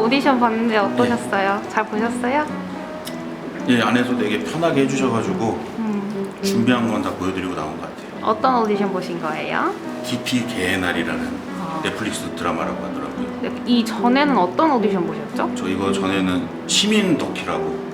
오디션 봤는데 어떠셨어요? 잘 보셨어요? 예, 안에서 되게 편하게 해주셔가지고 준비한 건 다 보여드리고 나온 것 같아요. 어떤 오디션 보신 거예요? 깊이 개의 날이라는 넷플릭스 드라마라고 하더라고요. 네, 이 전에는 어떤 오디션 보셨죠? 저 이거 전에는 시민 덕키라고.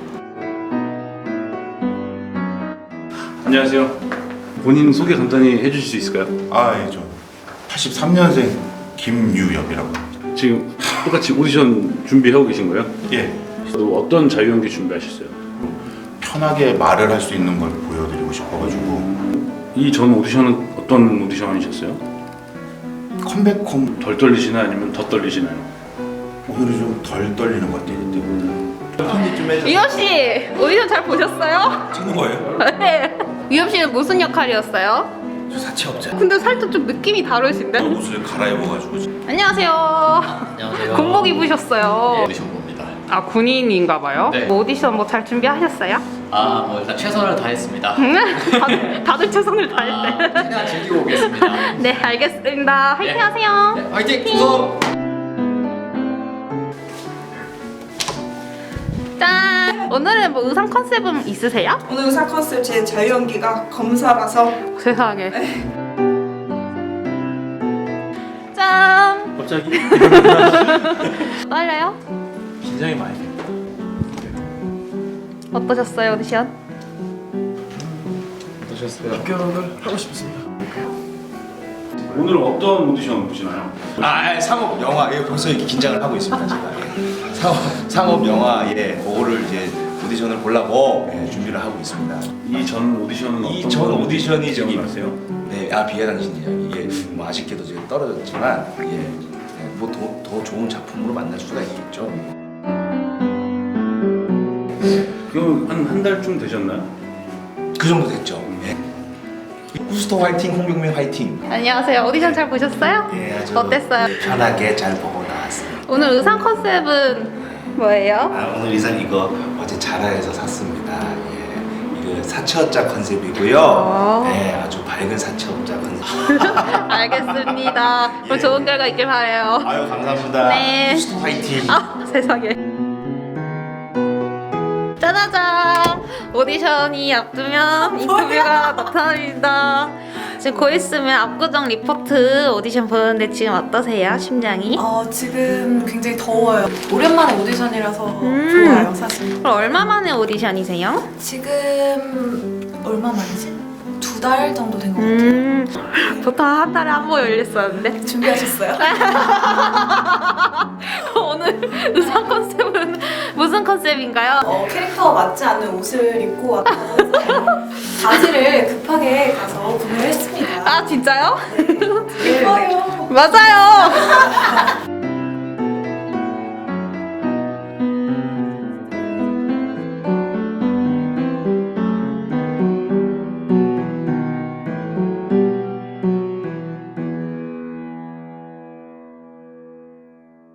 안녕하세요. 본인 소개 간단히 해주실 수 있을까요? 아, 예, 저 83년생 김유엽이라고 합니다. 지금 똑같이 오디션 준비하고 계신 거예요? 예, 또 어떤 자유연기 준비하셨어요? 편하게 말을 할 수 있는 걸 보여드리고 싶어가지고 이 전 오디션은 어떤 오디션이셨어요? 컴백홈 덜 떨리시나요? 아니면 더 떨리시나요? 오늘은 좀 덜 떨리는 것 같아요. 편집 좀 해주세요. 유엽 씨 오디션 잘 보셨어요? 찍는 거예요? 네. 유엽 씨는 무슨 역할이었어요? 저 사채업자. 근데 살짝 좀 느낌이 다르신데? 옷을 갈아입어가지고 안녕하세요. 안녕하세요. 군복 입으셨어요. 오디션 봅니다. 아 군인인가봐요. 네. 뭐 오디션 뭐 잘 준비하셨어요? 뭐 일단 최선을 다했습니다. 다들 최선을 다했대. 최대한 즐기고 오겠습니다. 네 알겠습니다. 화이팅 네. 하세요. 네, 화이팅! 구성! 짠! 오늘은 뭐 의상 컨셉은 있으세요? 오늘 의사 컨셉 제 자유연기가 검사라서 세상에. 짠! 갑자기? 떨려요? 긴장이 많이 돼요. 어떠셨어요 오디션? 어떠셨어요? 합격을 하고 싶습니다. 오늘은 어떤 오디션 보시나요? 상업 영화 예, 벌써 이렇게 긴장을 하고 있습니다. 제가 상업 영화 예, 그거를 이제 오디션을 보려고 준비를 하고 있습니다. 이 전 오디션은 이 어떤 전 오디션이 저기 기억나세요? 네, 비해 당신이요. 이게 뭐 아쉽게도 지금 떨어졌지만 뭐 더 좋은 작품으로 만날 수가 있겠죠. 그럼 한 달쯤 되셨나요? 그 정도 됐죠. 예. 후스터 화이팅, 홍병민 화이팅. 안녕하세요. 오디션 잘 보셨어요? 예, 아주 어땠어요? 편하게 잘 보고 나왔습니다. 오늘 의상 컨셉은 뭐예요? 오늘 의상 이거 어제 자라에서 샀습니다. 예, 이거 사채업자 컨셉이고요. 아. 네, 아주 밝은 사채업자 컨셉. 알겠습니다. 그럼 좋은 결과 있길 바래요. 아유 감사합니다. 네. 후스터 화이팅. 아 세상에. 짜자잔! 오디션이 앞두면 인터뷰가 나타납니다. 지금 곧 있으면 압구정 리포트 오디션 보는데 지금 어떠세요? 심장이? 지금 굉장히 더워요. 오랜만에 오디션이라서 좋아요 사실. 그럼 얼마 만에 오디션이세요? 지금 얼마 만이지? 2달 정도 된 것 같아요. 보통 한 달에 한 번 열렸었는데 준비하셨어요? 오늘 의상 컨셉은 무슨 컨셉인가요? 캐릭터 맞지 않는 옷을 입고 왔고 바지를 급하게 가서 구매를 했습니다. 아 진짜요? 예뻐요. 맞아요.